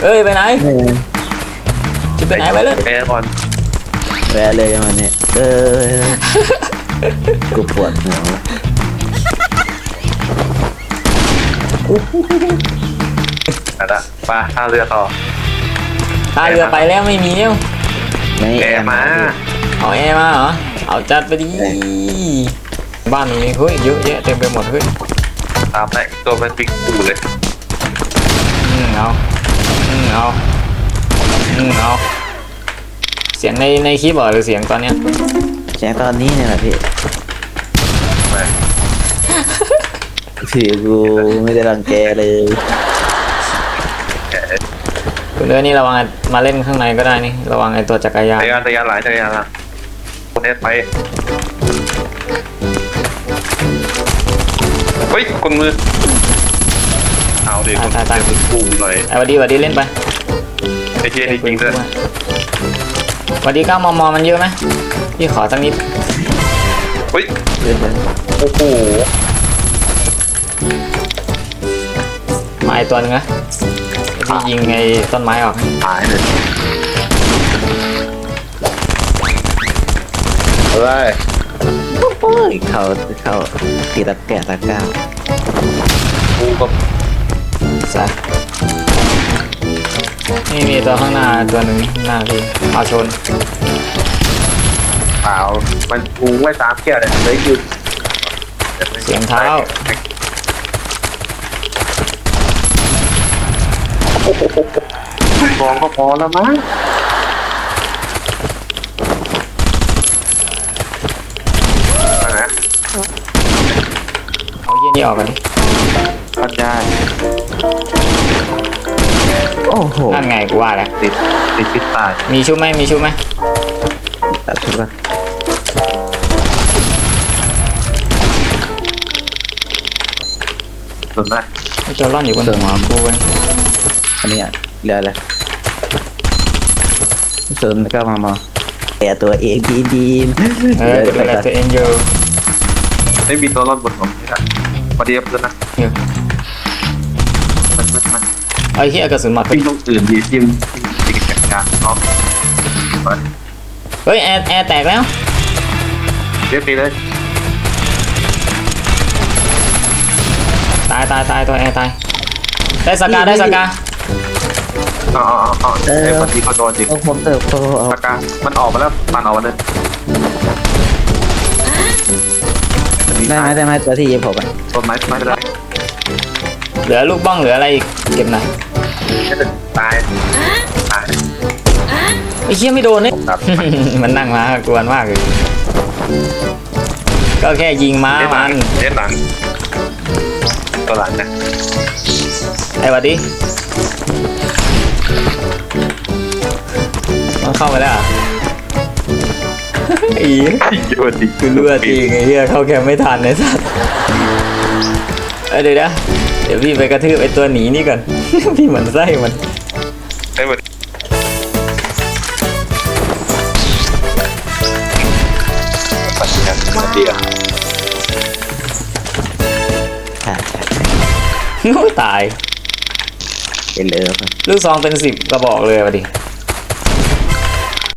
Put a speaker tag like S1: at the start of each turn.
S1: เอ้ยไปไหน
S2: เออ
S1: จะไปไหนไปเลย
S3: แอร์ก่อน
S2: แวะเลยมันเนี่ยกูปวดหัว
S3: นั่นละไปท่าเรือต่อ
S1: ท่าเรือไปแล้วไม่มีแล้ว
S2: ไม่
S3: แอร์มา
S1: เอาแอร์มาเหรอเอาจัดไปดิบ้านนี้เฮ้ยเยอะแยะเต็มไปหมดเฮ้ย
S3: ตามได้ตัวมันปิงปูเลย
S1: เอาเอาเสียงในคลิปเหรอหรือเสียงตอนเนี้ย
S2: แจ้งตอนนี้เนี่ยแหละพี่
S3: ไป
S2: ถือกูไม่ได้รังแกเลย
S1: คุณเอ้ยนี่ระวังมาเล่นข้างในก็ได้นี่ระวังไอ้ตัวจักรยาน
S3: จักรยานหลายจักรยานละคนเอสไปเฮ้ยคนมือเอาดิคนเปิงปูหน่อย
S1: ไอ้วันดีเล่นไป
S3: ไอ้เจนี่จริงด้วย
S1: วันดี9 มมมันเยอะไหมพี่ขอสักนิด
S3: เฮ้ย
S2: เล่นไป
S3: โอ้โห
S1: มาไอ้ตัวนึงนะพี่ยิงไอ้ต้นไม้ออก
S3: หายเลยอะไร
S2: โอ้ยเขาตีตะแกะตะก้าว
S3: ปูกับ
S1: ซะนี่มีตัวข้างหน้าตัวหนึ่งหน้าพี่เอาชน
S3: เปล่ามันปูไว้ตามแก้วเลยเลยหยุด
S1: เสียงเท้า
S3: มองก็พอแล้วมั้งนะ
S1: เอาเยี่ยนี่ออกกันดิ
S3: ก็ได้
S2: โอ้โห
S1: นั่นไงกูว่าแล้ว
S3: ติดพิษตาย
S1: มีชุบไหมมีชุบไหม
S2: ตัดทุกข์ละ
S3: ส่วนมาก
S1: ไอ้ตัวร่อนอยู่บนหัวกูเว้ย
S2: อันนี้เรืออะไรเสริมแล้วก็มาแกะตัวเองดี
S1: เออดูแลตัวเองอยู่
S3: ไม่มีตัวรอดบนผมนี่แหละพอดีเพื่อนนะ
S1: อยู่
S3: มัน
S1: ไอ้เหี้ยกระสุนหมด
S3: วิ่งต้องตื่นดีจิ้มติดกันการเนาะ
S1: เฮ้ยแอร์แตกแล้ว
S3: เรียบไปเลย
S1: ตายตัวแอร์ตายได้สกา
S3: อ๋อไอ้คนที่เขาโดนจริง
S2: ๆต้องผมเติบโตเอา
S3: ปากกามันออกมาแล้วมันออกมาเลย
S2: ได้ไหมตัวที่ยิงผมอ่ะ
S3: ต้นไม้ไม่เป็นไร
S1: เหลือลูกบ้องเหลืออะไรอีกเก็บหน่อย
S3: แค่จะตาย
S1: ไอ้เหี้ยไม่โดนเนี่ย
S3: ครับ
S1: มันนั่งมากวนมากเลยก็แค่ยิงม้ามัน
S3: เล่นหลังตัวหลังนะ
S1: ไอ้วัดดิมันเข้าไปแล้วเหรอไอ้
S3: โยนดิ
S1: คือเลือดจริงไอ้เหี้ยเข้าแคมป์ไม่ทันไอ้สัสเดี๋ยวนะเดี๋ยวพี่ไปกระทืบไอ้ตัวหนีนี่ก่อน พี่เหมือนไส้มัน
S3: ไอ้หมดปัดยังมาเดียว
S2: ใช่
S1: โอ้ตาย
S2: เป็นเลย
S1: ลูกซองเป็น10 กระบอกเลยวัดดิ